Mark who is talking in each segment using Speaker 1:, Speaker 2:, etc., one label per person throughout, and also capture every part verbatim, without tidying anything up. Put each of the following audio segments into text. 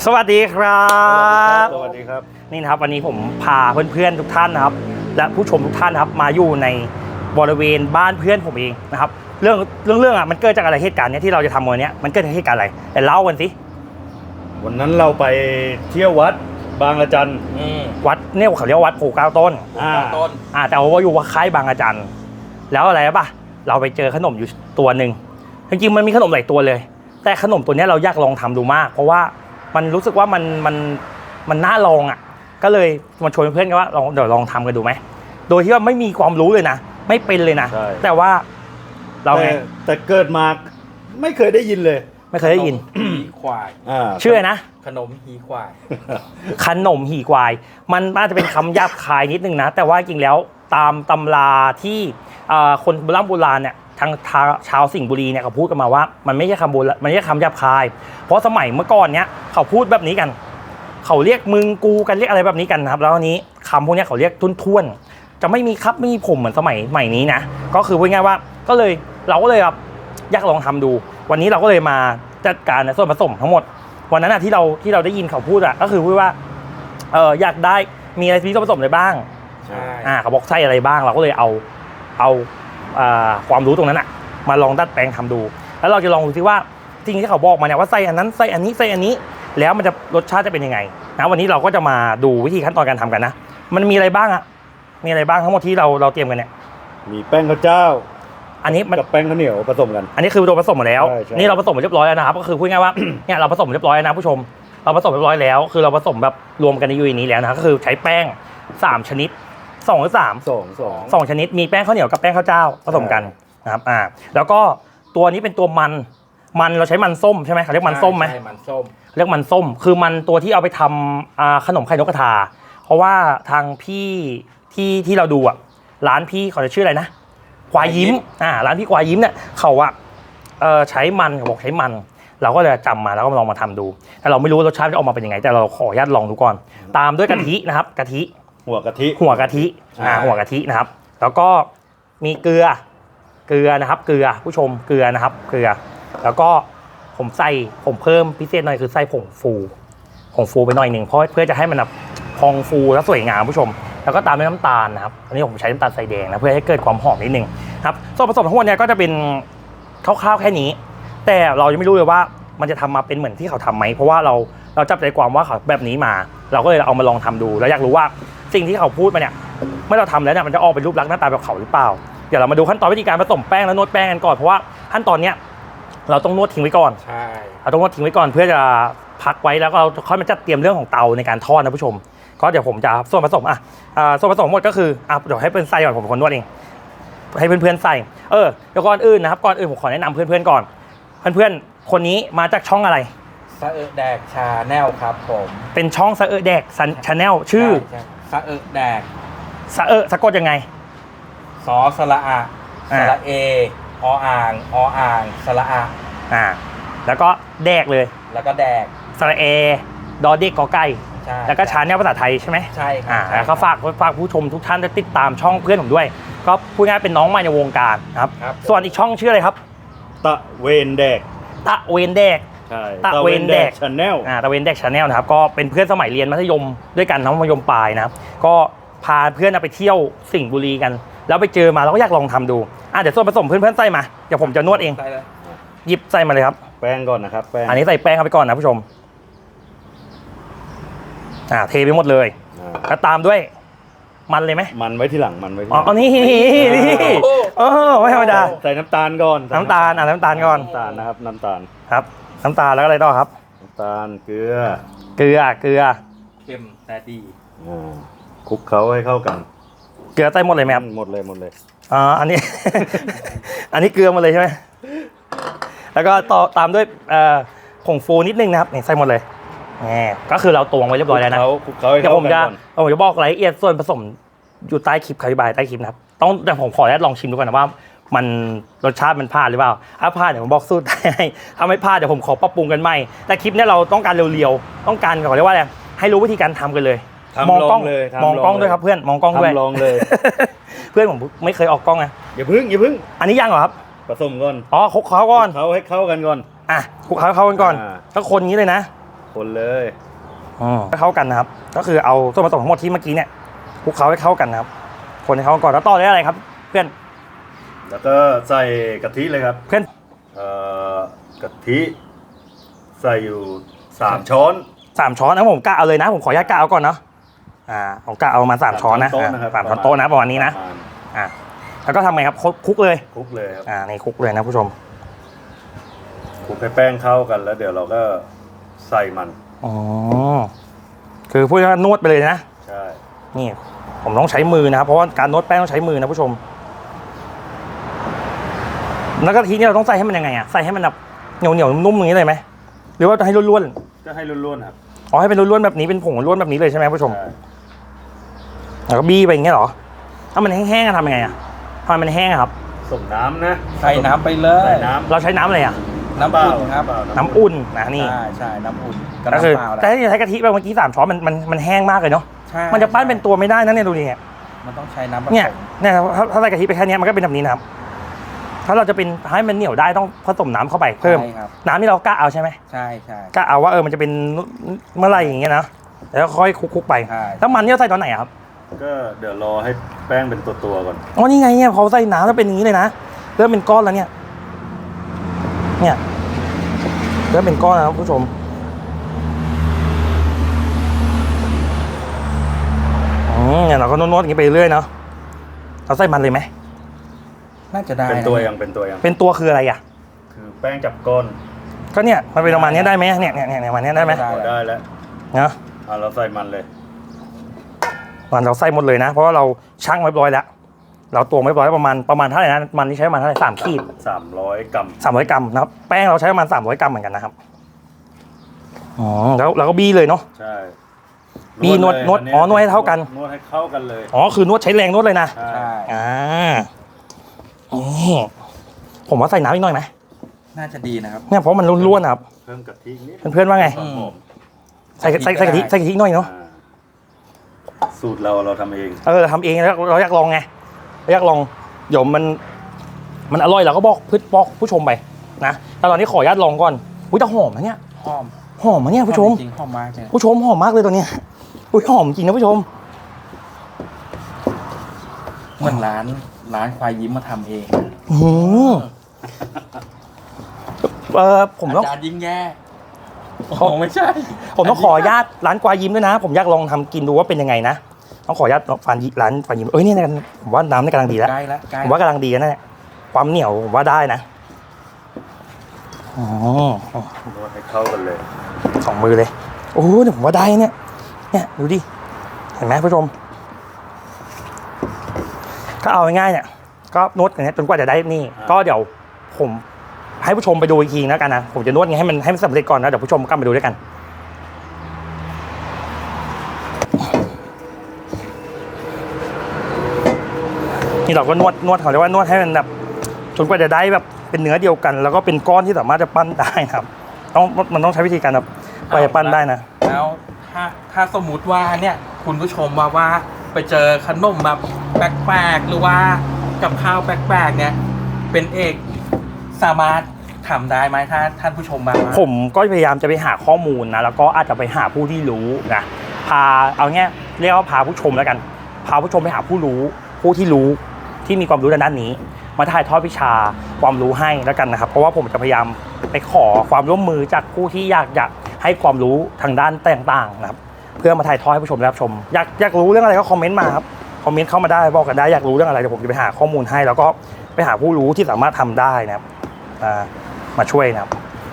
Speaker 1: สวัสดีครับ
Speaker 2: สวัสดีครับ
Speaker 1: นี่นะครับวันนี้ผมพาเพื่อนๆทุกท่านนะครับและผู้ชมทุกท่านนะครับมาอยู่ในบริเวณบ้านเพื่อนผมเองนะครับเรื่องเรื่องเรื่องอ่ะมันเกิดจากอะไรเหตุการณ์เนี้ยที่เราจะทำวันนี้มันเกิดจากเหตุการณ์อะไรแต่เล่ากันสิ
Speaker 2: วันนั้นเราไปเที่ยววัดบางระจัน
Speaker 1: วัดเนี่ยเขาเรียกวัดโพเก้าต้น
Speaker 2: อ่า
Speaker 1: ต้นอ่าแต่ว่าอยู่ว่าค่ายบางระจันแล้วอะไรป่ะเราไปเจอขนมอยู่ตัวหนึ่งจริงๆมันมีขนมหลายตัวเลยแต่ขนมตัวนี้เราอยากลองทำดูมากเพราะว่ามันรู้สึกว่ามันมันมันน่าลองอ่ะก็เลยมาชวนเพื่อนกันว่าลองเดี๋ยวลองทำกันดูไหมโดยที่ว่าไม่มีความรู้เลยนะไม่เป็นเลยนะแต่ว่าเราไง
Speaker 2: แต่เกิดมาไม่เคยได้ยินเลย
Speaker 1: ไม่เคยได้ยิน
Speaker 3: หีควาย
Speaker 1: ชื่อนะ
Speaker 3: ขนมหีควาย
Speaker 1: ขนมหีควายมันน่าจะเป็นคำหยาบคายนิดนึงนะแต่ว่าจริงแล้วตามตำราที่คนโบราณโบราณเนี่ยทางชาวสิงห์บุรีเนี่ยเขาพูดกันมาว่ามันไม่ใช่คำโบราณมันไม่ใช่คำหยาบคายเพราะสมัยเมื่อก่อนเนี้ยเขาพูดแบบนี้กันเขาเรียกมึงกูกันเรียกอะไรแบบนี้กันนะครับแล้วอันนี้คำพวกนี้เขาเรียกทุ่นๆจะไม่มีครับไม่มีผมเหมือนสมัยใหม่นี้นะก็คือพูดง่ายว่าก็เลยเราก็เลยแบบอยากลองทำดูวันนี้เราก็เลยมาจัดการในส่วนผสมทั้งหมดวันนั้นที่เราที่เราได้ยินเขาพูดอะก็คือพูดว่าเอออยากได้มีอะไรที่ส่วนผสมอะไรบ้าง
Speaker 3: ใช่
Speaker 1: อ่าเขาบอกใส่อะไรบ้างเราก็เลยเอาเอาความรู้ตรงนั้นอะมาลองดัดแปลงทำดูแล้วเราจะลองดูซิว่าจริงที่เขาบอกมาเนี่ยว่าใส่อันนั้นใส่อันนี้ใส่อันนี้แล้วมันจะรสชาติจะเป็นยังไงนะวันนี้เราก็จะมาดูวิธีขั้นตอนการทำกันนะมันมีอะไรบ้างอะมีอะไรบ้างทั้งหมดที่เราเราเตรียมกันเนี่ย
Speaker 2: มีแป้งข้าวเจ้า
Speaker 1: อันนี้
Speaker 2: กับแป้งข้าวเหนียวผสมกัน
Speaker 1: อันนี้คือตัวผสมหมดแล้วนี่เราผสมเรียบร้อยแล้วนะครับก็คือพูดง่ายว่าเนี่ยเราผสมเรียบร้อยนะผู้ชมเราผสมเรียบร้อยแล้วคือเราผสมแบบรวมกันในยูนินี้แล้วนะก็คือใช้แป้งสามชนิดสองหรือสาม
Speaker 2: สองสอง
Speaker 1: สองชนิดมีแป้งข้าวเหนียวกับแป้งข้าวเจ้าผสมกันนะครับอ่าแล้วก็ตัวนี้เป็นตัวมันมันเราใช้มันส้มใช่ไหมเขาเรียกมันส้มไหม
Speaker 3: ใช่มันส้ม
Speaker 1: เรียกมันส้มคือมันตัวที่เอาไปทำขนมไข่นกกระทาเพราะว่าทางพี่ที่ที่เราดูอ่ะร้านพี่เขาจะชื่ออะไรนะควายยิ้มอ่าร้านพี่ควายยิ้มเนี่ยเขาอ่ะเออใช้มันเขาบอกใช้มันเราก็เลยจำมาแล้วก็ลองมาทำดูแต่เราไม่รู้รสชาติจะออกมาเป็นยังไงแต่เราขออนุญาตลองดูก่อนตามด้วยกะทินะครับกะทิ
Speaker 2: หัวกะทิ
Speaker 1: หัวกะทิอ่าหัวกะทินะครับแล้วก็มีเกลือเกลือนะครับเกลือผู้ชมเกลือนะครับเกลือแล้วก็ผมใส่ผมเพิ่มพิเศษหน่อยคือใส่ผงฟูผงฟูไปหน่อยหนึ่งเพราะเพื่อจะให้มันแบบพองฟูและสวยงามผู้ชมแล้วก็ตามด้วยน้ำตาลนะครับอันนี้ผมใช้น้ำตาลใส่แดงนะเพื่อให้เกิดความหอมนิดนึงครับส่วนผสมทั้งหมดเนี่ยก็จะเป็นคร่าวๆแค่นี้แต่เรายังไม่รู้เลยว่ามันจะทำมาเป็นเหมือนที่เขาทำไหมเพราะว่าเราเราจับใจความว่าเขาแบบนี้มาเราก็เลยเอามาลองทำดูแล้วอยากรู้ว่าสิ่งที่เขาพูดมาเนี่ยเมื่อเราทำแล้วเนี่ยมันจะออกเป็นรูปลักษณ์หน้าตาแบบเขาหรือเปล่าเดี๋ยวเรามาดูขั้นตอนวิธีการผสมแป้งและนวดแป้งกันก่อนเพราะว่าขั้นตอนเนี้ยเราต้องนวดทิ้งไว้ก่อน
Speaker 3: ใช่
Speaker 1: เราต้องนวดทิ้งไว้ก่อนเพื่อจะพักไว้แล้วก็เราค่อยมาจัดเตรียมเรื่องของเตาในการทอดนะผู้ชมก็เดี๋ยวผมจะส่วนผสมอ่ะส่วนผสมหมดก็คืออ่ะเดี๋ยวให้เพื่อนใส่ก่อนผมเป็นคนนวดเองให้เพื่อนๆใส่เออเดี๋ยวก่อนอื่นนะครับก่อนอื่นผมขอแนะนำเพื่อนๆก่อนเพื่อนๆคนนี้มาจากช่องอะไร
Speaker 3: สะเออแดกชาแนลครับผม
Speaker 1: เป็นช่องสะเออแดกชาแนลชื่อ
Speaker 3: สะเออแดก
Speaker 1: สะเออสะกดยังไง
Speaker 3: สอสระอะสระเอออ่างออ่างสระอะ
Speaker 1: อ่าแล้วก็แดกเลย
Speaker 3: แล้วก็แดก
Speaker 1: สระเอดอเด็กกอไก่แล้วก็ชาแนลภาษาไทยใช่ไหม
Speaker 3: ใช่
Speaker 1: อ่าแล้วก็ฝากฝากผู้ชมทุกท่านจะติดตามช่องเพื่อนผมด้วยก็พูดง่ายเป็นน้องใหม่ในวงการนะครับส่วนอีกช่องชื่ออะไรครับ
Speaker 2: ตะเวนแดก
Speaker 1: ตะเวนแดก
Speaker 2: ใช่
Speaker 1: ตะเวนแดก
Speaker 2: ชาแนล
Speaker 1: อ่าตะเวนแดกชาแนลนะครับก็เป็นเพื่อนสมัยเรียนมัธยมด้วยกันน้องมัธยมปลายนะครับก็พาเพื่อนไปเที่ยวสิงห์บุรีกันแล้วไปเจอมาเราก็อยากลองทำดูอ่ะเดี๋ยวส่วนผสมเพื่อนๆใส่มาเดี๋ยวผมจะนวดเองหยิบใส่มาเลยครับ
Speaker 2: แป้งก่อนนะครับแป้ง
Speaker 1: อันนี้ใส่แป้งเข้าไปก่อนนะผู้ชมอ่าเทไปหมดเลยแล้วตามด้วยมันเลยไหม
Speaker 2: มันไว้ที่หลังมันไว้ที่
Speaker 1: อ๋อนี่นี่โอ้ไม่ธรรมดา
Speaker 2: ใส่น้ำตาลก่อน
Speaker 1: น้ำตาลอ่ะน้ำตาลก่อน
Speaker 2: น้ำตาลนะครับน้ำตาล
Speaker 1: ครับน้ำตาลแล้วอะไรต่อครับ
Speaker 2: น้ำตาลเกลือ
Speaker 1: เกลือเกลือ
Speaker 3: เค็มแต่ดี
Speaker 2: อ่าคลุกเคล้าให้เข้ากัน
Speaker 1: เกลือใส่หมดเลยไหมครับ
Speaker 2: หมดเลยหมดเลย
Speaker 1: อ๋ออันนี้ อันนี้เกลือหมดเลยใช่ไหมแล้วก็ต่อตามด้วยผงฟูนิดนึงนะครับนี่ใส่หมดเลยนี่ก็คือเราตวงไว้เรียบร้อยแล้วนะเดี๋ยวผมจะผมจะบอกรายละเอียดส่วนผสมอยู่ใต้คลิปอธิบายใต้คลิปนะครับต้องแต่ผมขออนุญาตลองชิมดูก่อนนะว่ามันรสชาติมันพลาดหรือเปล่าถ้าพลาดเดี๋ยวผมบอกสูตรให้ถ้าไม่พลาดเดี๋ยวผมขอปรับปรุงกันใหม่แต่คลิปนี้เราต้องการเร็วๆต้องการเขาเรียกว่าอะไรให้รู้วิธีการทำกันเลยมองกล้อง
Speaker 2: เลย
Speaker 1: มองกล้องด้วยครับเพื่อนมองกล้องด้วย
Speaker 2: ลองเลย
Speaker 1: เพื่อนผมไม่เคยออกกล้องไง
Speaker 2: อย่าพึ่งอย่าพึ่ง
Speaker 1: อันนี้ยังเหรอครับ
Speaker 2: ผสมก่อน
Speaker 1: อ๋อคลุกเคล้าก่อน
Speaker 2: เขาให้เข้ากันก่อน
Speaker 1: อ่ะคลุกเคล้าเข้ากันก่อนก็คนนี้เลยนะ
Speaker 2: คนเลย
Speaker 1: อืมให้เข้ากันนะครับ ก็คือเอาส่วนผสมทั้งหมดที่เมื่อกี้เนี่ยคลุกเคล้าให้เข้ากันนะครับ คนให้เข้ากันก่อนแล้วต่อด้วยอะไรครับ เพื่อน
Speaker 2: แล้วก็ใส่กะทิเลยครับ
Speaker 1: เพื่อน
Speaker 2: เอ่อกะทิใส่อยู่สามช้อน
Speaker 1: สามช้อนนะผมกะเอาเลยนะผมขออนุญาตกะเอาก่อนเนาะอ่าผมกะเอามาสามช้อนนะ
Speaker 2: สามช้อนโต๊ะนะครับ
Speaker 1: สามช้อนโต๊ะนะประมาณนี้นะ
Speaker 2: ประมาณ
Speaker 1: อ่าแล้วก็ทำไงครับคลุกคลุกเลย
Speaker 2: คลุกเลยครับ
Speaker 1: อ่าในคลุกเลยนะผู้ชม
Speaker 2: คลุกให้แป้งเข้ากันแล้วเดี๋ยวเราก็ใส่มัน
Speaker 1: อ๋อคือพูดง่ายๆนวดไปเลยนะ
Speaker 2: ใช่
Speaker 1: นี่ผมต้องใช้มือนะครับเพราะว่าการนวดแป้งต้องใช้มือนะผู้ชมแล้วก็ทีนี้เราต้องใส่ให้มันยังไงอะใส่ให้มันแบบเหนียวเหนียวๆนุ่มๆอย่างนี้เลยไหมหรือว่าจะให้ร่วน
Speaker 2: ก็ให้ร่วนๆครับ
Speaker 1: ๆอ๋อให้เป็นร่วนๆแบบนี้เป็นผงร่วนแบบนี้เลยใช่ไหมผู้ชม
Speaker 2: ใช่
Speaker 1: แล้วก็บี้ไปอย่างเงี้ยเหรอถ้ามันแห้งๆอะทำยังไงอะทำไมมันแห้งอะครับ
Speaker 2: ส่งน้ำนะ
Speaker 3: ใส่น้ำไปเล
Speaker 2: ใส่
Speaker 3: ย
Speaker 2: น้ำ
Speaker 1: เราใช้น้ำอะไรอะ
Speaker 3: น้ำอุ่นครับ
Speaker 2: เปล่า
Speaker 1: น้ำอุ่นนะนี่
Speaker 3: ใช่ใช่น้ำอุ่นก็
Speaker 1: ก็คือ
Speaker 3: น้ำเปล่าแห
Speaker 1: แต่
Speaker 3: ละ
Speaker 1: ถ้าจะใช้กะทิไปเมื่อกี้สามช้อนมันมันมันแห้งมากเลยเนาะ
Speaker 3: ใช่
Speaker 1: มันจะปั้นเป็นตัวไม่ได้นะเนี่ยดูดิเนี่ย
Speaker 3: มันต้องใช้น้ำผสม
Speaker 1: เนี่ยเนี่ยถ้าถ้าใส่กะทิไปแค่เนี้ยมันก็เป็นแบบนี้นะครับ ถ้าเราจะเป็นให้มันเหนียวได้ต้องผสมน้ำเข้าไปเพิ่ม
Speaker 3: ใช่ครับ
Speaker 1: น้ำที่เรากะเอาใช่ไหม
Speaker 3: ใช่ใช่
Speaker 1: กะเอาว่าเออมันจะเป็นเมื่อไหรอย่างเงี้ยนะแล้วค่อยคลุกๆไป
Speaker 3: ใช่
Speaker 1: แล้วมันเนี่ยใส่ตอนไหนอะครับ
Speaker 2: ก็เดี๋ยวรอให้แป้งเป็นตัวๆก่อน
Speaker 1: อ๋อนี่ไงเนี่ยพอใส่น้ำแล้วเป็นอย่างนี้เลยนะเริ่มเป็นก้อนแล้วเนี่ย เนี่ยเริ่มเป็นก้อนแล้วผู้ชมอืมเนี่ยเราก็นวดๆอย่างนี้ไปเรื่อยเนาะเราใส่มันเลยไหม
Speaker 3: น่าจะได้
Speaker 2: เป็นตัว
Speaker 3: นะ
Speaker 2: ยังเป็นตัวยัง
Speaker 1: เป็นตัวคืออะไรอ่ะ
Speaker 2: คือแป้งจับก้น
Speaker 1: ก็เนี่ยมันเป็นประมาณเนี้ยได้ไหมเนี่ยเนี่ยเนี่ยประมาณเนี้ยได้ไหม
Speaker 2: พอได้แล้ว
Speaker 1: เนาะ
Speaker 2: อ่ะเราใส่มันเลย
Speaker 1: มันเราใส่หมดเลยนะ เพราะว่าเราชั่งไว้เรียบร้อยแล้วเราตวงไว้เรียบร้อยประมาณประมาณเท่าไหร่นะมันที่ใช้ประมาณเท่าไหร่สามขีด
Speaker 2: สามร้อยกรัม
Speaker 1: สามร้อยกรัมนะครับแป้งเราใช้ประมาณสามร้อยกรัมเหมือนกันนะครับอ๋อแล้วเราก็บี้เลยเนาะ
Speaker 2: ใช่
Speaker 1: มีนวด
Speaker 2: เลย
Speaker 1: นวด
Speaker 2: อั
Speaker 1: อ๋อนวดให้เท่ากัน
Speaker 2: นวดให้เข้ากันเลย
Speaker 1: อ๋อคือนวดใช้แรงนวดเลยนะ
Speaker 2: ใช่
Speaker 3: ใช่
Speaker 1: อ่านี่ผมว่าใส่น้ำอีกหน่อยไหม
Speaker 3: น่าจะดีนะครับ
Speaker 1: เนี่ยเพราะมันร่วนๆนะครับ
Speaker 2: เพิ่มกะทินิด
Speaker 1: เพื่อนๆว่าไง
Speaker 2: หอม
Speaker 1: ใส่ใส่ใส่กะทิใส่กะทิอีกหน่อย
Speaker 2: ๆ
Speaker 1: เนาะ
Speaker 2: อ่าสูตรเราเราทำเอง
Speaker 1: เออเราทำเองแล้วเราอยากลองไงเราอยากลองเดี๋ยวมัน มันอร่อยเราก็บอกพืชบอกผู้ชมไปนะแต่ตอนนี้ขออนุญาตลองก่อนอุ้ยแต่หอมนะเนี่ย
Speaker 3: หอม
Speaker 1: หอมนะเนี่ยผู้ชม
Speaker 3: จริงๆหอมมากเลย
Speaker 1: ผู้ชมหอมมากเลยตัวเนี้ยอุ้ยหอมจริงนะผู้ชม
Speaker 3: เหมือนร้านร้านควายยิ้มมาทำเอง
Speaker 1: อืมเออผมต้อง
Speaker 3: อาจารย์ยิ่งแย่
Speaker 1: เขา
Speaker 3: โอ้ไม่ใช่
Speaker 1: ผมต้องขออนุญาตร้านกวายยิ้มด้วยนะ ผมอยากลองทำกินดูว่าเป็นยังไงนะต้องขออนุญาตฟานยิร้านฟานยิ้มเอ้ยเนี่ยนะผมว่าน้ำนี่กำลังดีแล้ว
Speaker 3: ใกล้แล้วใกล้
Speaker 1: ผมว่ากำลังดีแล้วนะเนี่ยความเหนียวผมว่าได้นะอ๋อน
Speaker 2: วดให้เข้ากันเลย
Speaker 1: สองมือเลยโอ้โหเนี่ยผมว่าได้เนี่ยเนี่ยดูดิเห็นไหมผู้ชมก็เอาง่ายๆเนี่ยก็นวดอย่างเงี้ยจนกว่าจะได้นี่ ก็เดี๋ยวผมให้ผู้ชมไปดูอีกทีแล้วกันนะผมจะนวดไงให้มันให้มันสำเร็จก่อนนะเดี๋ยวผู้ชมกลับมาดูด้วยกันนี่เราก็นวดนวดเขาเรียกว่านวดให้มันแบบจนกว่าจะได้แบบเป็นเนื้อเดียวกัน แล้วก็เป็นก้อนที่สามารถจะปั้นได้นะครับต้องมันต้องใช้วิธีการแบบกว่าจะปั้นได้นะ
Speaker 3: แล้วถ้าถ้าสมมุติว่าเนี่ยคุณผู้ชมมาว่าไปเจอขนมแบบแปลกๆหรือว่ากับข้าวแปลกๆเนี่ยเป็นเอกสามารถทำได้ไหมถ้าท่านผู้ชมมาว่า
Speaker 1: ผมก็พยายามจะไปหาข้อมูลนะแล้วก็อาจจะไปหาผู้ที่รู้นะพาเอาเงี้ยเรียกว่าพาผู้ชมแล้วกัน พาผู้ชมไปหาผู้รู้ ผู้ที่รู้ที่มีความรู้ด้านนี้ มาถ่ายทอดวิชาความรู้ให้แล้วกันนะครับ เพราะว่าผมจะพยายามไปขอความร่วมมือจากผู้ที่อยากจะให้ความรู้ทางด้านต่างๆนะครับ เพื่อมาถ่ายทอดให้ผู้ชมได้รับชม อยากอยากรู้เรื่องอะไรก็คอมเมนต์มาครับคอมเมนต์เข้ามาได้บอกกันได้อยากรู้เรื่องอะไรเดี๋ยวผมจะไปหาข้อมูลให้ แล้วก็ไปหาผู้รู้ที่สามารถทำได้นะครับอ่ามาช่วยนะครับ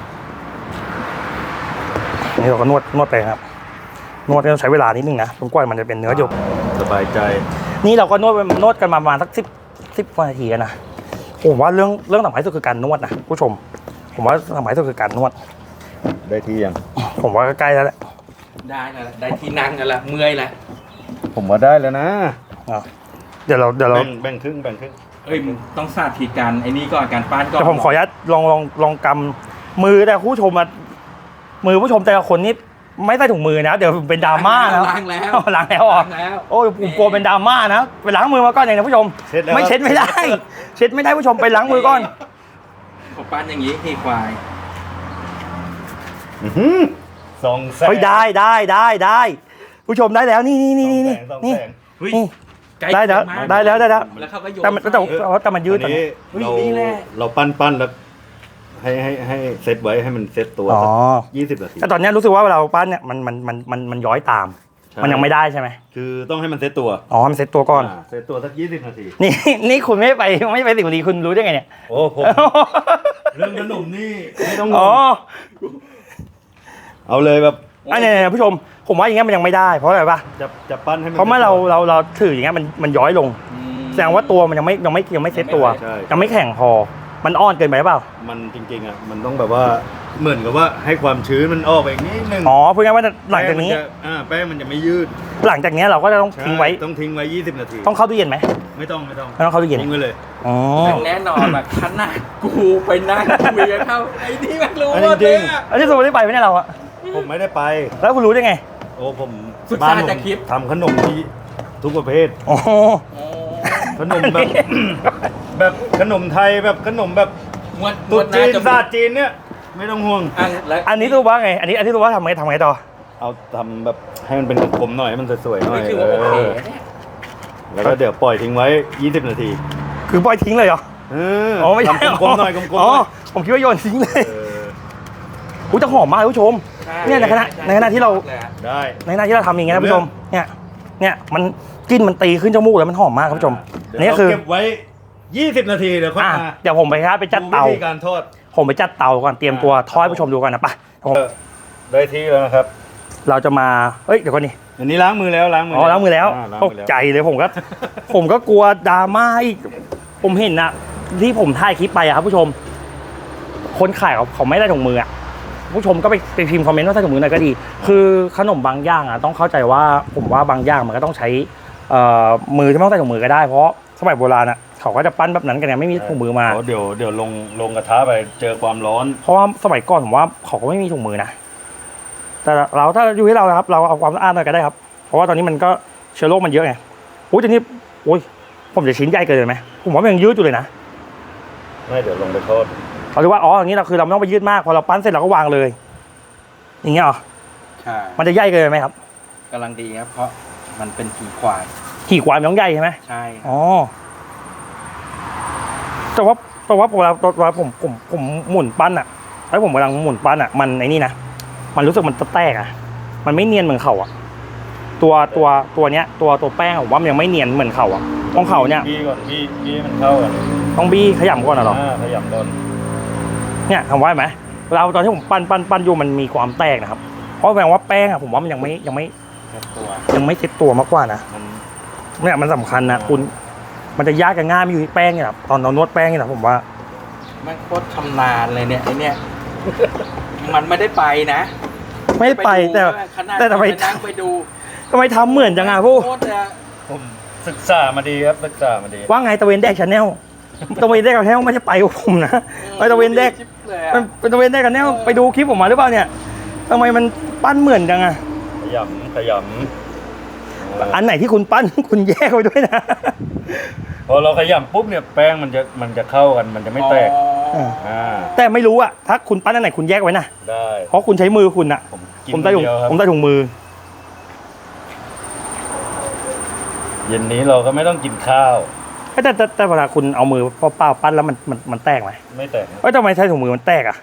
Speaker 1: นี่เราก็นวดนวดไปครับนวดต้องใช้เวลานิดนึงนะจนกว่ามันจะเป็นเนื้อหยก
Speaker 2: สบายใจ
Speaker 1: นี่เราก็นวดนวดกันมาประมาณสักสิบสิบนาทีนะผมว่าเรื่องเรื่องสำคัญที่สุดคือการนวดนะผู้ชม ผมว่าสำคัญที่สุดคือการนวด
Speaker 2: ได้ที่ยัง
Speaker 1: ผมว่าใกล้แล้วแหละ
Speaker 3: ได้แล้วได้ที่นั่งกันละเมื่อยละ
Speaker 2: ผมว่าได้แล้วนะ
Speaker 1: อ่ะเดี๋ยวเราเดี๋ยวเรา
Speaker 2: แบ่งแบ่งครึ่งแบ่งครึ่ง
Speaker 3: เอ้ยมึงต้องสาธิตการไอ้นี่ก่อนการปั้นก่อน
Speaker 1: เดี๋ยวผมขออนุญาตลองลองลองกำมือแต่ผู้ชมมามือผู้ชมแต่ละคนนี่ไม่ใส่ถุงมือนะเดี๋ยวเป็นดราม่านะ
Speaker 3: ล้างแล้ว
Speaker 1: ล้างแล้วอ่ะ
Speaker 3: ล้างแล้ว
Speaker 1: โอ้ยผมกลัวเป็นดราม่านะไปล้างมือมาก่อนอย่างนะผู้ชม
Speaker 2: เช็ดแล้ว
Speaker 1: ไม่เช็ดไม่ได้ เช็ดไม่ได้ผู้ชมไปล้างมือก่อน
Speaker 3: ผมปั้นอย่างนี้ที่ควาย
Speaker 2: อื้อหือสองแสง
Speaker 1: เฮ้ยได้ได้ได้ได้ผู้ชมได้แล้วนี่นี่นี่นี่
Speaker 2: สอง
Speaker 1: นี่
Speaker 2: แสง
Speaker 3: เฮ้ย
Speaker 1: นี่
Speaker 3: ใกล้
Speaker 1: ได้แล้ว
Speaker 3: เคียงมาก
Speaker 1: ได้แล้วได้แล้ว
Speaker 3: แล้วเขาก็โยน
Speaker 1: แต่มันแต่
Speaker 3: ใส่
Speaker 1: แต่มันยืด
Speaker 2: อันนี้
Speaker 3: เฮ้ย
Speaker 2: เรา
Speaker 3: นี่แหละ
Speaker 2: เราปั้นปั้นแล้วให้ให้ให้เซตไว้ให้มันเซตตัว
Speaker 1: อ๋อ
Speaker 2: ยี่สิบนาที
Speaker 1: แต่ตอนเนี้ยรู้สึกว่าเวลาเราปั้นเนี่ยมันมันมันมันมันย้อยตาม
Speaker 2: ใช่
Speaker 1: มันยังไม่ได้ใช่ไหม
Speaker 2: คือต้องให้มันเซตตัว
Speaker 1: อ๋อมันเซ็ตตัวก่อน
Speaker 2: าเซตตัวสักยี่สิบนาที
Speaker 1: นี่นี่คุณไม่ไปไม่ไปสิงห์บุรีคุณรู้ได้ไงเนี่ย
Speaker 2: โอ้ผมเรื่องขนมนี่ไม่ต้องง
Speaker 1: อ๋อง
Speaker 2: เอาเลยแบบ
Speaker 1: อันนี้เนี่ยผู้ชมผมว่าอย่างเงี้ยมันยังไม่ได้เพราะอะไรปะ
Speaker 2: จะจะปั้นให้มัน
Speaker 1: เพราะเมื่อเราเราเราถืออย่างเงี้ยมันมันย้อยลง
Speaker 3: อืม
Speaker 1: แสดงว่าตัวมันยังไม่ยังไม่ยังไม่เซ็ตตัว
Speaker 2: ใช่
Speaker 1: ยังไม่แข็งพอ มันอ่อนเกินไปหรือเปล่า
Speaker 2: มันจริงๆอ่ะมันต้องแบบว่าเหมือนกับว่าให้ความชื้นมันออกไปอีกนิดนึง
Speaker 1: อ๋อพูดง่ายๆว่าหลังจากนี้
Speaker 2: แป้งมัจะอ่าแป้งมันจะไม่ยืด
Speaker 1: หลังจากเนี้ยเราก็จะต้องทิ้งไว้
Speaker 2: ใช่ต้องทิ้งไว้ยี่สิบนาที
Speaker 1: ต้องเข้าตู้เย็นไหม
Speaker 2: ไม่ต้องไม่ต้อง
Speaker 1: ไม่ต้องเข้าตู้เย็น
Speaker 2: ทิ้งไว้เลย
Speaker 1: อ๋อ
Speaker 3: แน่นอนแบบขนาดกูไปนั่งคุยกับเขาไอ้นี่มันรู้
Speaker 2: อัน
Speaker 3: หม
Speaker 2: นี้
Speaker 3: ด
Speaker 2: จ
Speaker 3: เล
Speaker 2: ริ
Speaker 3: ย
Speaker 2: ง
Speaker 3: อะ
Speaker 1: อันนี้สมมติได้ไปไหมเนี่ยเราอะ
Speaker 2: ผมไม่ได้ไป
Speaker 1: แล้วคุณรู้ได้ไง
Speaker 2: โอ้ผม
Speaker 3: ศึก
Speaker 2: บ้า
Speaker 3: ษาน
Speaker 2: ผม
Speaker 3: จากคลิป
Speaker 2: ทำขนมที่ทุกประเภท
Speaker 1: อ๋อ
Speaker 3: โอ้
Speaker 2: ขนมแบบ แบบขนมไทยแบบขนมแบบ
Speaker 3: มวดม
Speaker 2: ตุ๊
Speaker 3: ว
Speaker 2: ด
Speaker 3: ด
Speaker 2: จี
Speaker 3: น่าน จะ
Speaker 2: ศาสตร์จีนเนี่ยไม่ต้องห่วง
Speaker 3: อันแล้ว
Speaker 1: อันนี้รู้ว่าไง อันนี้อันนี้รู้ว่าทำไงทำไงต่อ
Speaker 2: เอาทำแบบให้มันเป็นกลมๆหน่อยให้มันสวยๆหน่อย
Speaker 3: นี่คือว่าโอเค
Speaker 2: เออ
Speaker 3: เนี่ย
Speaker 2: แล้วก็เดี๋ยวปล่อยทิ้งไว้ยี่สิบนาที
Speaker 1: คือปล่อยทิ้งเลยเหรอ
Speaker 2: เออ
Speaker 1: อ๋อไม่ใช่
Speaker 2: ทำกลมๆหน่อยกลมๆห
Speaker 1: อ๋อ
Speaker 2: น่อย
Speaker 1: ผมคิดว่าโยนทิ้งเลย
Speaker 2: เออ
Speaker 1: อุ้ยจะหอมมากคุณผู้ชม
Speaker 3: ใช่
Speaker 1: เนี่ยในขณะ
Speaker 3: ช่
Speaker 1: ในขณะที่เรา
Speaker 3: เลยอะ
Speaker 2: ได้
Speaker 1: ในขณะที่เราทำอย่างเงี้ยนะคุณผู้ชม เนี่ย เนี่ยมันกลิ่นมันตีขึ้นจมูกแล้วมันหอมมากคุณผู้ชม
Speaker 2: เดี๋ยว
Speaker 1: นี่
Speaker 2: เรา
Speaker 1: คือ
Speaker 2: เก็บไว้ยี่สิบนาทีเดี๋ยวค่อย
Speaker 1: อ่ะ
Speaker 2: มา
Speaker 1: เดี๋ยวผมไปครับไปจัดเตา
Speaker 2: วิธีการทอด
Speaker 1: ผมไปจัดเตาก่อนเตรียมตัวทอดให้ผู้ชมดูก่อนนะไปะ
Speaker 2: เออได้ที่แล้วนะครับ
Speaker 1: เราจะมาเอ้ยเดี๋ยวก่อนนี่
Speaker 2: อันนี้ล้างมือแล้วล้างมือ
Speaker 1: อ๋อล้างมือแล้ว
Speaker 2: าล้าง
Speaker 1: ต
Speaker 2: มื
Speaker 1: ก
Speaker 2: อแล้ว
Speaker 1: ใจเลยผมก็ ผมก็กลัวดราม่าอีกผมเห็นนะที่ผมถ่ายคลิปไปอะครับผู้ชม คนขายเขาเขาไม่ได้ถุงมืออะผู้ชมก็ไปไปพิมพ์คอมเมนต์ว่าใส่ถุงมือหน่อยก็ดี คือขนมบางอย่างอะต้องเข้าใจว่าผมว่าบางอย่างมันก็ต้องใช้เอ่อมือที่ไม่ต้องใส่ถุงมือก็ได้เพราะสมัยโบราณอะเขาก็จะปั้นแบบนั้นกันไงไม่มีถุงมือมา
Speaker 2: เดี๋ยวเดี๋ยวลงลงกระทะไปเจอความร้อน
Speaker 1: เพราะว่าสมัยก่อนผมว่าเขาก็ไม่มีถุงมือนะแต่เราถ้าอยู่ที่เรานะครับ เราเอาความสะอาดหน่อยก็ได้ครับ เพราะว่าตอนนี้มันก็เชื้อโรคมันเยอะไงโอ้ยทีนี้โอ้ยผมจะชิ้นใหญ่เกินไหมผมว่ามันยังยืดอยู่เลยนะ
Speaker 2: ไม่เดี๋ยวลงไปทอด
Speaker 1: เขาเรียกว่าอ๋ออย่างนี้เราคือเราไม่ต้องไปยืดมากพอเราปั้นเสร็จเราก็วางเลย อย่างเงี้ยเหรอ
Speaker 3: ใช่
Speaker 1: มันจะใหญ่เกินไหมครับ
Speaker 3: กำลังดีครับ เพราะมันเป็นขี่ควาย
Speaker 1: ขี่ควายมันต้องใหญ่ใช่ไหม
Speaker 3: ใช่
Speaker 1: อ๋อแต่ว่าแต่ว่าเวลาเวลาผมผมผมหมุนปั้นอ่ะแล้วผมกำลังหมุนปั้นอ่ะมันไอ้นี่นะมันรู้สึกมันแตกอ่ะ มันไม่เนียนเหมือนเขาอ่ะ ตัวตัวตัวเนี้ย ตัวตัวแป้งผมว่ามันยังไม่เนียนเหมือนเขาอ่ะของเขาเนี่ย
Speaker 2: บี้ก่อนบี้บี้ให้มันเข้ากัน
Speaker 1: ต้องบี้ขยำก่อนนะหรอ
Speaker 2: อ่าขยำก่อน
Speaker 1: เนี่ยทำไว้ไหมเราตอนที่ผมปั้นปั้นปั้นอยู่มันมีความแตกนะครับ เพราะแปลว่าแป้งอ่ะผมว่ามันยังไม่ยังไม่
Speaker 3: แค่ตัว
Speaker 1: ยังไม่เซ็ตตัวมากกว่านะ
Speaker 2: มัน
Speaker 1: เนี่ยมันสำคัญนะคุณ มันจะยากกับง่ายไม่อยู่ที่แป้งเนี่ยครับตอนเรานวดแป้งเนี่ยนะผมว่า
Speaker 3: มันโคตรชำนาญเลยเนี่ยไอเนี่ย มันไม่ได้ไปนะ
Speaker 1: ไม่ไปแต่
Speaker 3: ขนาด
Speaker 1: แต่ทำไม
Speaker 3: ไปนั่งไปดู
Speaker 1: ทำไมทำเหมือนจังอ่ะผู้
Speaker 3: โคตรจะ
Speaker 2: ผมศึกษามาดีครับศึกษามาดี
Speaker 1: ว่าไงตะเวนแดกชาแนลตะเวนแดกชาแนลไม่ใช่ไปกับผมนะไปตะเวนแดก
Speaker 3: ชิบเลยอะ
Speaker 1: มันเป็นตะเวนแดกชาแนลไปดูคลิปผมมาหรือเปล่าเนี่ยทำไมมันปั้นเหมือนจังอ่ะ
Speaker 2: ขยำขยำ
Speaker 1: อันไหนที่คุณปั้น คุณแยกไว้ด้วยนะ
Speaker 2: พอเราขยำปุ๊บเนี่ยแป้งมันจะมันจะเข้ากันมันจะไม่แตก
Speaker 3: อ๋อ
Speaker 2: อ่า
Speaker 1: แต่ไม่รู้อะถ้าคุณปั้นอันไหนคุณแยกไว้นะ
Speaker 2: ได้
Speaker 1: เพราะคุณใช้มือคุณอะ
Speaker 2: ผมกิน
Speaker 1: ผมใส่ถุง
Speaker 2: เดียวครับ
Speaker 1: ผมใส่ถุงมือ
Speaker 2: เย็นนี้เราก็ไม่ต้องกินข้าว
Speaker 1: แต่แต่แต่แต่เวลาคุณเอามือเปล่าๆปั้นแล้วมันมันมันแตกไหม
Speaker 2: ไม่แตกนะ
Speaker 1: เอ้ยทำไมใช้ถุงมือมันแตกอะ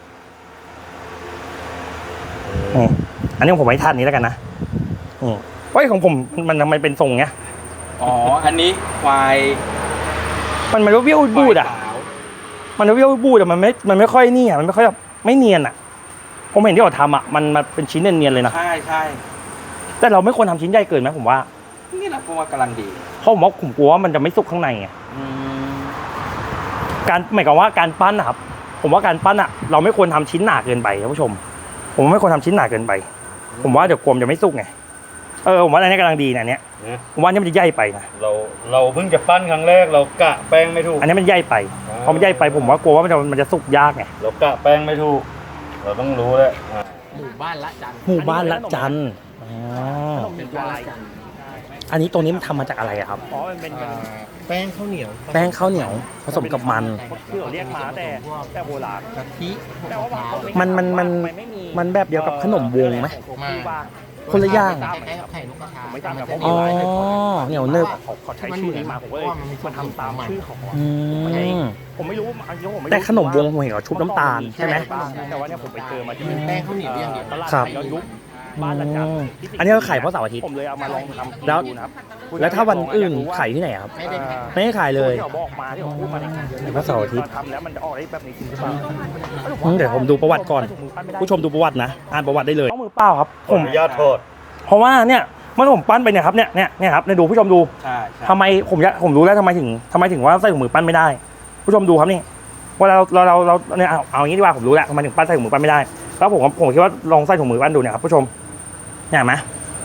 Speaker 1: อืมอันนี้ผมไม่ทันนี้แล้วกันนะอืมเฮ้ยของผมมันทำไมเป็นทรงเงี้ย
Speaker 3: อ๋อ อันนี้ควาย
Speaker 1: มันมันเบี้ยวๆบูดอะ
Speaker 3: ควายขาว
Speaker 1: มันเบี้ยวๆบูดอะมันไม่มันไม่ค่อยนี่อะมันไม่ค่อยแบบไม่เนียนอะผมเห็นที่เขาทำอะมันมันเป็นชิ้นเนียนๆเลยนะ
Speaker 3: ใช่ใช่
Speaker 1: แต่เราไม่ควรทำชิ้นใหญ่เกินไหมผมว่า
Speaker 3: นี่แหละผมว่ากำลังดี
Speaker 1: เพราะผมว่าผมกลัวว่ามันจะไม่สุกข้างในไง
Speaker 3: อืม
Speaker 1: การหมายความว่าการปั้นนะครับ ผมว่าการปั้นอะเราไม่ควรทำชิ้นหนาเกินไปท่านผู้ชม ผมว่าไม่ควรทำชิ้นหนาเกินไป ผมว่าเดี๋ยวกลมจะไม่สุกไงเออผมว่าอันนี้กำลังดีนะเนี่ย
Speaker 2: นะ
Speaker 1: ผมว่าอันนี้มันจะใหญ่ไปนะ
Speaker 2: เราเราเพิ่งจะปั้นครั้งแรกเรากะแป้งไม่ถูก
Speaker 1: อันนี้มันใหญ่ไปพอมันใหญ่ไปผมว่ากลัวว่ามันจะมันจะสุกยากไง
Speaker 2: เรากะแป้งไม่ถูก เราต้องรู้แล้วอ่า
Speaker 3: หมู่บ้านละจัน
Speaker 1: หมู่บ้านละจันอ๋อ
Speaker 3: เป็นบ้านละจัน
Speaker 1: อันนี้ตัวนี้มันทำมาจากอะไรอะครับ
Speaker 4: อ๋อมันเป็น
Speaker 3: อ่าแป้งข้าวเหนียว
Speaker 1: แป้งข้าวเหนียวผสมกับมัน
Speaker 4: ที่เราเรียกมาแต่แต่โบราณ
Speaker 3: กะทิ
Speaker 4: แต่ว่า
Speaker 1: มันมันมัน
Speaker 4: ไไ
Speaker 1: มันแบบเดียวกับขนมวงไหม
Speaker 4: ผมคิดว่า
Speaker 1: คนละอย่าง
Speaker 3: คล้ายๆกับไข่นกกระทา
Speaker 4: ผมไม่จำนะเพราะ
Speaker 1: อ๋อเหนียวเนึบ
Speaker 4: เขาเขาใช้ชื่อนี้มาผมก็เลยมันทำตามชื่อเขาอะ
Speaker 1: อืม
Speaker 4: ผมไม่รู้อันนี้ผมไม่รู้
Speaker 1: แต่ขนมวงผมเห็นเขาชุบน้ำตาลใช่ไหม
Speaker 4: แต่ว่าเนี่ยผมไปเจอมาที่
Speaker 3: แป้งข้าวเหนียวอย่างเดียว
Speaker 4: ตลาด
Speaker 1: ครับ
Speaker 4: ไทยย้อนยุคบ้านอาจารย์
Speaker 1: อืมอันนี้เราขายเพราะเสาร์อาทิตย์
Speaker 4: ผมเลยเอามาลองทำกิน
Speaker 1: แล้ว
Speaker 4: ดูนะครับ
Speaker 1: แล้วถ้าวันอื่นขายที่ไหนครับ
Speaker 3: ไม่ได้ขาย
Speaker 1: ไม่ได้ขายเลย
Speaker 4: ที่เขาบอกมาที่เขาพูดมาเนี่ย
Speaker 1: แต่ว่าเสาร์อาทิตย์
Speaker 4: ทำแล้วมันจะออกได้แบบนี้จริงหรือเปล่า
Speaker 1: อืมเดี๋ยวผมดูประวัติก่อน ผู้ชมดูประวัตินะ อ่านประวัติได้เลยต้องมือเปล่าครับ
Speaker 2: ข
Speaker 1: ผ
Speaker 2: อ
Speaker 1: ม
Speaker 2: อนุญาตโทษ
Speaker 1: เพราะว่าเนี่ยเมื่อผมปั้นไปเนี่ยครับเนี่ยเนี่ยเนี่ยครับเนี่ยดูผู้ชมดู
Speaker 3: ใช่ใช่
Speaker 1: ทำไมผมจะผมรู้แล้วทำไมถึงทำไมถึงว่าใส่ถุงมือปั้นไม่ได้ ผู้ชมดูครับนี่เวลาเราเราเราเราเนี่ยเอาเอาอย่างนี้ดีกว่าผมรู้แล้วทำไมถึงปั้นใส่ถุงมือปั้นไม่ได้แล้วผมผมคิดว่าลองใส่ถุงมือปั้นดูเนี่ยครับผู้ชมเนี่ยเห็นไหม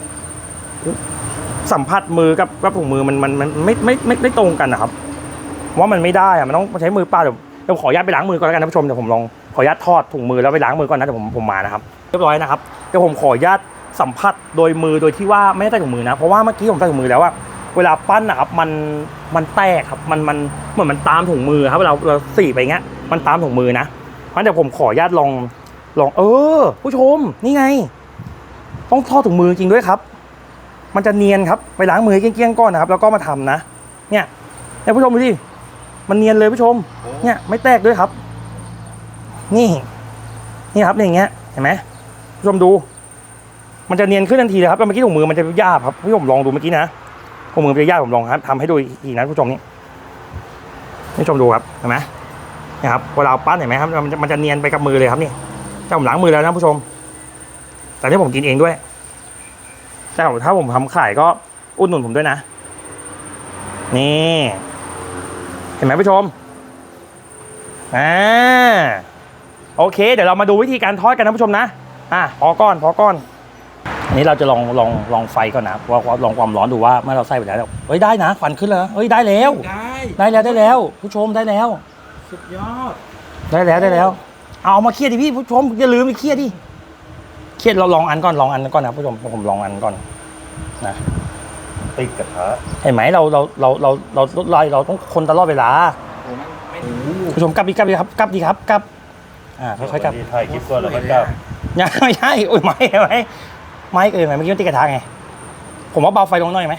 Speaker 1: สัมผัสมือกับกับถุงมือมันมันมันไม่ไม่ไม่ไม่ตรงกันนะครับว่ามันไม่ได้อะมันต้องใช้มือเปล่าเดี๋ยวเดี๋ยวขออนุญาตไปล้างมือก่อนแล้วกันนะผู้ชมเดี๋ยวผมลองขออนุญาตทอดถุงมือแล้วไปล้างมือก่อนนะเดี๋ยวผมผมมานะครับเรียบร้อยนะครับเดี๋ยวผมขออนุญาตสัมผัสโดยมือโดยที่ว่าไม่ได้ใส่ถุงมือนะเพราะว่าเมื่อกี้ผมใส่ถุงมือแล้วว่าเวลาปั้นนะครับมันมันแตกครับมันมันเหมือนมันตามถุงมือครับเราเราสีไปอย่างเงี้ยมันตามถุงมือนะเพราะเดี๋ยวผมขออนุญาตลองลองเออ ผู้ชมนี่ไง ต้องทอดถุงมือจริงด้วยครับ มันจะเนียนครับไปล้างมือให้เกลี้ยงๆก่อนนะครับแล้วก็มาทำนะเนี่ยเนี่ยผู้ชมดูดิมันเนียนเลยผู้ชมเนี่ยไม่แตกด้วยครับ นี่นี่ครับอย่างเงี้ยเห็นไหมผู้ชมดู มันจะเนียนขึ้นทันทีเลยครับแล้วเมื่อกี้ถุงมือมันจะยาบครับพี่ผมลองดูเมื่อกี้นะถุงมือมันจะยาบผมลองครับทำให้ดูอีกนะผู้ชมนี่ผู้ชมดูครับเห็นไหมนี่ครับเวลาปั้นเห็นไหมครับมันจะมันจะเนียนไปกับมือเลยครับนี่ถ้าผมล้างมือแล้วนะผู้ชม แต่ที่ผมกินเองด้วยแต่ถ้าผมทำขายก็อุดหนุนผมด้วยนะนี่เห็นไหมผู้ชมอ่าโอเคเดี๋ยวเรามาดูวิธีการทอดกันนะผู้ชมนะอ่ะพอก้อนพอก้อนอันนี้เราจะลองลองลองไฟก่อนนะว่าว่าลองความร้อนดูว่าเมื่อเราใส่ไปแล้วเฮ้ยได้นะควันขึ้นแล้วเฮ้ยได้แล้ว
Speaker 3: ได้
Speaker 1: ได้แล้วได้แล้ว ผู้ชมได้แล้ว
Speaker 3: สุดยอด
Speaker 1: ได้แล้วได้แล้วเอามาเครียดดิพี่ผู้ชมอย่าลืมไปเครียดดิเครียดเราลองอันก่อนลองอันก่อนนะผู้ชมผมลองอันก่อนนะ
Speaker 2: ติดกระทะ
Speaker 1: เห็นไหมเราเราเราเราเราเราเราต้องคนตลอดเวลา
Speaker 3: โอ้มันไม่
Speaker 1: ผู้ชมกลับดีกลับดีครับกลับดีครับกลับอ่าค่อยๆกลับ
Speaker 2: ที่ถ่ายคลิปก่อนแล้วก็กลับ
Speaker 1: ยังไม่ใช่โอ้ยไม่ไหมไม่เกินไหมเมื่อกี้มันติดกระทะไงผมว่าเบาไฟลงหน่อยไหม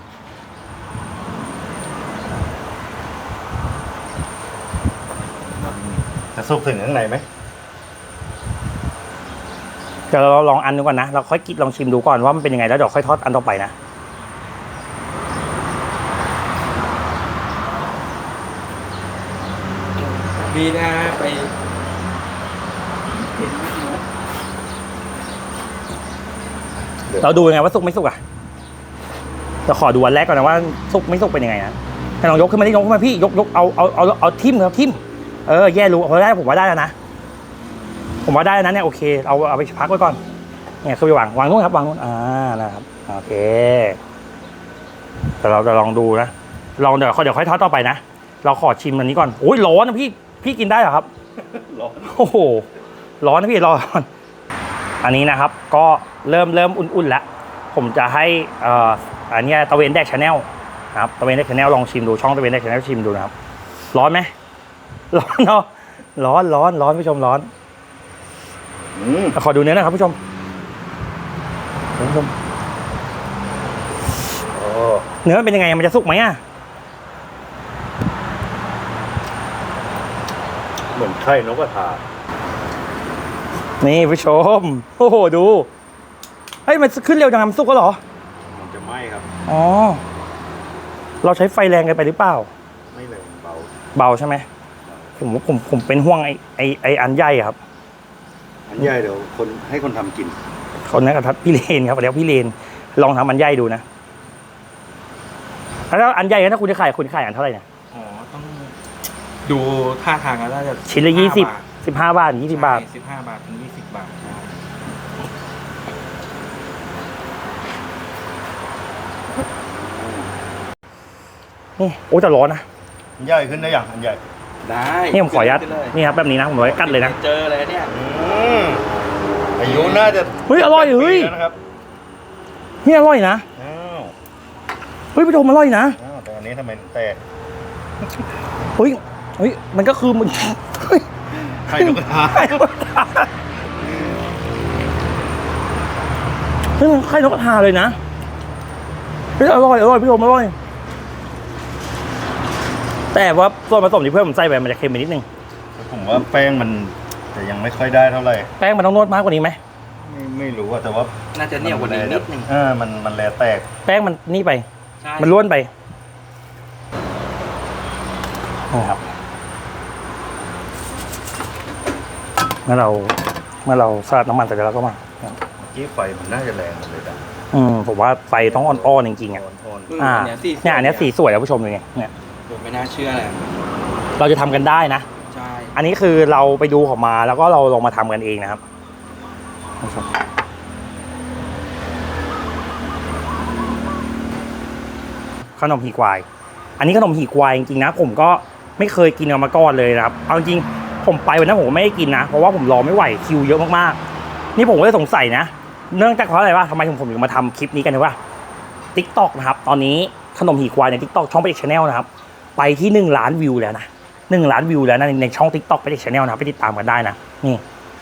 Speaker 2: จะสุกถึงข้างในไหม
Speaker 1: เดี๋ยวเราลองอันดูก่อนนะเราค่อยกินลองชิมดูก่อนว่ามันเป็นยังไงแล้วเดี๋ยวค่อยทอดอันต่อไปนะ
Speaker 3: มีนะไป
Speaker 1: เราดูยังไงว่าสุกไม่สุกอ่ะเราขอดูอันแรกก่อนนะว่าสุกไม่สุกเป็นยังไงนะให้ลองยกขึ้นมาดิยกขึ้นมาพี่ยกยกเอาเอาเอาเอาทิ่มครับทิ่มเออแย่รู้พอได้ผมว่าได้แล้วนะผมว่าได้แล้วนะเนี่ยโอเคเอาเอาไปพักไว้ก่อนเนี่ยคือไปวางวางนู้นครับวางนู้นอ่านะครับโอเคแต่เราจะลองดูนะลองเดี๋ยวเดี๋ยวค่อยทอดต่อไปนะเราขอชิมอันนี้ก่อนโอ้ยร้อนนะพี่พี่กินได้เหรอครับ
Speaker 2: ร้อน
Speaker 1: โอ้โหร้อนนะพี่ร้อนอันนี้นะครับก็เริ่มเริ่มอุ่นๆแล้วผมจะให้เอ่ออันนี้ตะเวนแดกชาแนลนะครับตะเวนแดกชาแนลลองชิมดูช่องตะเวนแดกชาแนลชิมดูนะครับร้อนไหมร้อนเนาะร้อนร้อนร้อนผู้ชมร้อน
Speaker 2: อืม
Speaker 1: ขอดูเนื้อหนะครับผู้ชมผู้ชม
Speaker 2: โอ้
Speaker 1: เนื้อเป็นยังไงมันจะสุกไหมอ่ะ
Speaker 2: เหมือนไข่นกกระทา
Speaker 1: นี่ผู้ชมโอ้โหดูเฮ้ยมันขึ้นเร็วจังมันสุกก็หรอ
Speaker 2: มันจะไหม้ครับ
Speaker 1: อ๋อเราใช้ไฟแรงเกินไปหรือเปล่า
Speaker 2: ไม่เลยเบา
Speaker 1: เบาใช่ไหมผมผมผมเป็นห่วงไอไอไออันใหญ่ครับ
Speaker 2: อันใหญ่เดี๋ยวคนให้คนทำกิน
Speaker 1: คนนั้นกับทัดพี่เลนครับเดี๋ยวพี่เลนลองทำอันใหญ่ดูนะแล้วอันใหญ่ถ้าคุณจะขายคุณขายอันเท่าไหร่เนี่ย
Speaker 3: อ๋อต้องดูท่าทางแล้วน่าจะ
Speaker 1: ชิ้นละยี่สิบสิบห้าบาทยี่สิบบาท
Speaker 3: สิบห้าบาทถึงยี่สิบบาทใช่
Speaker 1: นี่โอ้แต่ร้อนนะ
Speaker 2: อันใหญ่ขึ้นได้อย่างอันใหญ่
Speaker 3: ได้
Speaker 1: นี่ผมขออนุญาต
Speaker 3: ขึ้เลย
Speaker 1: นี่ครับแบบนี้นะผมไว้กัดเลยนะ
Speaker 3: เจอเลยเนี่ย
Speaker 2: อืมอายุน่าจะ
Speaker 1: เฮ้ยอร่อยเฮ้ย
Speaker 2: ปีแล้วนะครับ
Speaker 1: นี่อร่อยนะ
Speaker 2: อ้าว
Speaker 1: เฮ้ยผู้ชมอร่อยนะ
Speaker 2: อ้าวแต่อันนี้ทำไมแตก
Speaker 1: เฮ้ยเฮ้ยมันก็คือมันเฮ้ย
Speaker 2: ไข่นกกระทา
Speaker 1: ไข่นกกระทาเฮ้ยมันไข่นกกระทาเลยนะเฮ้ยอร่อยอร่อยพี่ชมอร่อยแต่ว่าส่วนผสมที่เพื่อนผมใส่ไปมันจะเค็มไปนิดนึง
Speaker 2: ผมว่าแป้งมันจะยังไม่ค่อยได้เท่าไหร่
Speaker 1: แป้งมันต้องนวดมากกว่านี้ไหม
Speaker 2: ไม่ไม่รู้อะแต่ว่า
Speaker 3: น่าจะเหนียวกว่านี้นิดนึง
Speaker 2: เออมันมันแลแตก
Speaker 1: แป้งมันนี่ไป
Speaker 3: ใช่
Speaker 1: มันล้วนไปนะครับเมื่อเราเมื่อเราสลัดน้ำมันเสร็จแล้วก็มา
Speaker 2: เมื่อกี้ไฟมันน่าจะแรงหมดเลยนะ
Speaker 1: อืมผมว่าไฟต้องอ่อนๆจริงๆอ่ะ
Speaker 2: อ่อน
Speaker 3: อืม
Speaker 1: อ่า
Speaker 3: อันเนี้ยสี
Speaker 1: เนี่ยอันเนี้ยสีสวยแล้วผู้ชมเลยเนี่ยเนี่ย
Speaker 3: ผมไม่น่าเชื่อเลย
Speaker 1: เราจะทำกันได้นะ
Speaker 3: ใช่
Speaker 1: อันนี้คือเราไปดูเขามาแล้วก็เราลองมาทำกันเองนะครับขนมหีควาย อันนี้ขนมหีควายจริงๆนะ ผมก็ไม่เคยกินกันมาก่อนเลยนะครับเอาจริงๆผมไปวันนั้นผมก็ไม่ได้กินนะเพราะว่าผมรอไม่ไหวคิวเยอะมากๆนี่ผมก็เลยสงสัยนะเนื่องจากเพราะอะไรวะทำไมถึงผมถึงมาทำคลิปนี้กันรู้ป่ะ ติ๊กต็อกนะครับตอนนี้ขนมหีควายใน ติ๊กต็อก ช่องไปเด็กชาแนลนะครับไปที่หนึ่งล้านวิวแล้วนะหนึ่งล้านวิวแล้วนะในในช่อง ติ๊กต็อก ไปเด็กชาแนลนะครับไปติดตามกันได้นะนี่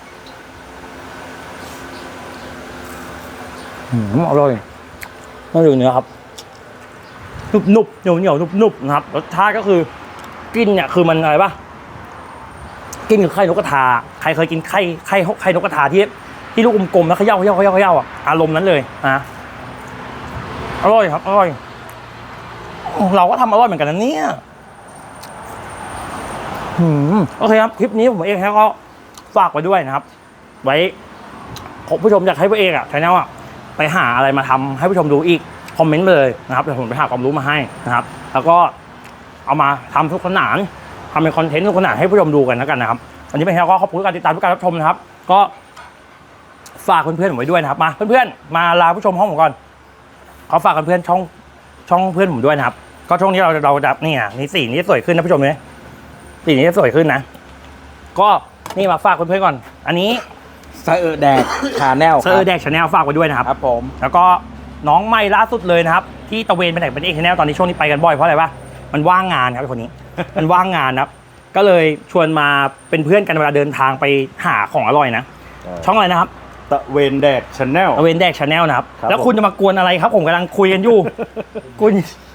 Speaker 1: อืมอร่อยน่าดูเนื้อครับนุบนุบเหนียวเหนียวนุบนุบนะครับรสชาติก็คือกินเนี่ยคือมันอะไรป่ะกินกับไข่นกกระทาใครเคยกินไข่ไข่ไข่นกกระทาที่ที่ลูกกลมๆแล้วเขย่าเขย่าเขย่าเขย่าอ่ะอารมณ์นั้นเลยนะอร่อยครับอร่อยเราก็ทำอร่อยเหมือนกันนะเนี่ยอืมโอเคครับคลิปนี้ผมเองก็ฝากไว้ด้วยนะครับ ไว้ผมผู้ชมอยากให้พวกเองอ่ะชาแนลอ่ะไปหาอะไรมาทำให้ผู้ชมดูอีกคอมเมนต์เลยนะครับเดี๋ยวผมไปหาความรู้มาให้นะครับ แล้วก็เอามาทำทุกขนานทำเป็นคอนเทนต์ทุกขนานให้ผู้ชมดูกันแล้วกันนะครับวันนี้เป็นแค่ก็ขอบคุณการติดตามทุกการรับชมนะครับ ก็ฝากเพื่อนๆผมไว้ด้วยนะครับมาเพื่อนๆมาลาผู้ชมห้องผมก่อนขอฝากเพื่อนๆช่องช่องเพื่อนผมด้วยนะครับก็ช่วงนี้เราเราจะนี่อ่ะนี่สีนี้สวยขึ้นนะผู้ชมเนี่ยสีนี้สวยขึ้นนะก็นี่มาฝากเพื่อนๆก่อน อันนี้
Speaker 3: เซอร์แดกชาแนล
Speaker 1: เซอร์แดกชาแนลฝากไว้ด้วยนะครับ
Speaker 3: ครับผม
Speaker 1: แล้วก็น้องใหม่ล่าสุดเลยนะครับที่ตะเวนไปไหนเป็นเอกชาแนลตอนนี้ช่วงนี้ไปกันบ่อยเพราะอะไรวะมันว่างงานครับไอ้คนนี้ มันว่างงานนะครับก็เลยชวนมาเป็นเพื่อนกันเวลาเดินทางไปหาของอร่อยนะช่องอะไรนะครับ
Speaker 2: ตะเวนแดกชาแนล
Speaker 1: ตะเวนแดกชาแนลนะครับ
Speaker 2: ครับ
Speaker 1: แล้วคุณจะมากวนอะไรครับ ผมกำลังคุยกันอยู่ คุณ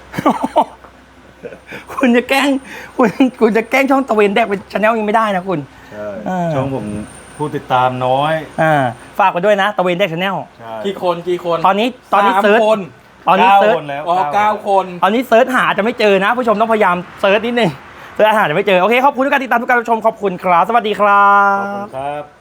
Speaker 1: คุณจะแกล้งคุณคุณจะแกล้งช่องตะเวนแดกเป็นชาแนลยังไม่ได้นะคุณ
Speaker 2: ใช่
Speaker 1: อ่า
Speaker 2: ช่องผมผู้ติดตามน้อย
Speaker 1: อ่าฝากไว้ด้วยนะตะเวนแดกชาแนล
Speaker 2: ใช่
Speaker 3: กี่คนกี่คน
Speaker 1: ตอนนี้ตอนนี้
Speaker 3: สาม
Speaker 1: เซิร์ช
Speaker 3: คน
Speaker 1: ตอนนี้
Speaker 2: เก้า
Speaker 1: เซิร์ช
Speaker 2: คนแล้ว
Speaker 3: อ๋อเก้าคน
Speaker 1: ตอนนี้เซิร์ชหาจะไม่เจอนะผู้ชมต้องพยายามเซิร์ชนิดนึงเซิร์ชหาจะไม่เจอโอเคขอบคุณทุกการติดตามทุกการรับชมขอบคุณครับสวัสดีครั
Speaker 2: ขอบคุณ
Speaker 1: บ
Speaker 2: ครับ